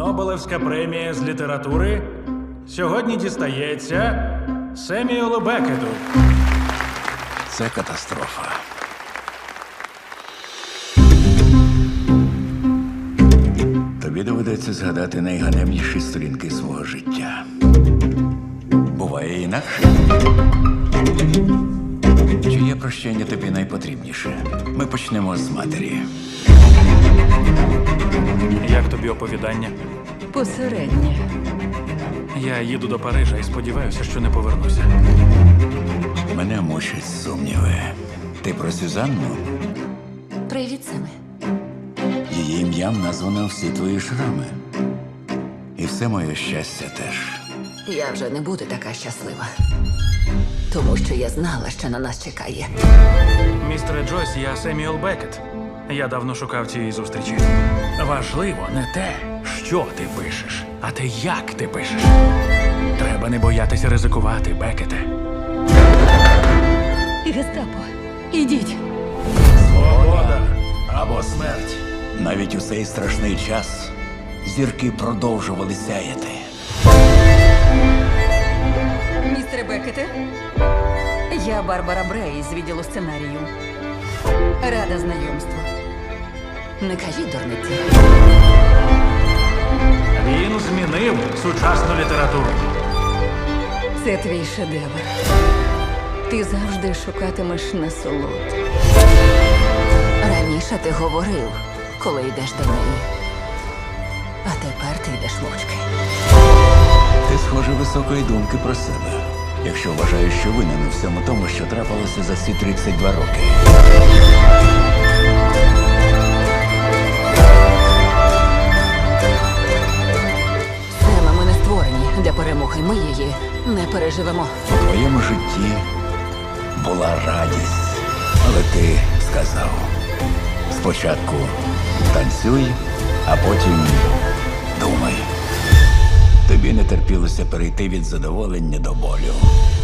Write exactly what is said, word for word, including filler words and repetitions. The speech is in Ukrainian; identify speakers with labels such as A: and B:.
A: Нобелевська премія з літератури сьогодні дістається Семюелу Беккету.
B: Це катастрофа. Тобі доведеться згадати найганебніші сторінки свого життя. Буває інакше. Чиє прощення тобі найпотрібніше? Ми почнемо з матері.
A: Як тобі оповідання?
C: Посереднє.
A: Я їду до Парижа і сподіваюся, що не повернуся.
B: Мене мучать сумніви. Ти про Сюзанну?
C: Привіт, Семе.
B: Її ім'ям названо всі твої шрами. І все моє щастя теж.
C: Я вже не буду така щаслива. Тому що я знала, що на нас чекає.
A: Містере Джойс, я Семюел Беккет. Я давно шукав цієї зустрічі. Важливо не те, що ти пишеш, а те, як ти пишеш. Треба не боятися ризикувати, Беккете.
C: Гестапо, ідіть.
A: Свобода або смерть.
B: Навіть у цей страшний час зірки продовжували сяяти.
C: Містере Беккете, я Барбара Брей з відділу сценарію. Рада знайомству. Не кажіть дурниці.
A: Він змінив сучасну літературу.
C: Це твій шедевр. Ти завжди шукатимеш насолод. Раніше ти говорив, коли йдеш до неї. А тепер ти йдеш мовчки.
B: Ти, схоже, високої думки про себе, якщо вважаєш, що винен у всьому тому, що трапилося за ці тридцять два роки.
C: Сема, ми не створені для перемоги. Ми її не переживемо.
B: У твоєму житті була радість, але ти сказав: спочатку танцюй, а потім думай. Тобі не терпілося перейти від задоволення до болю.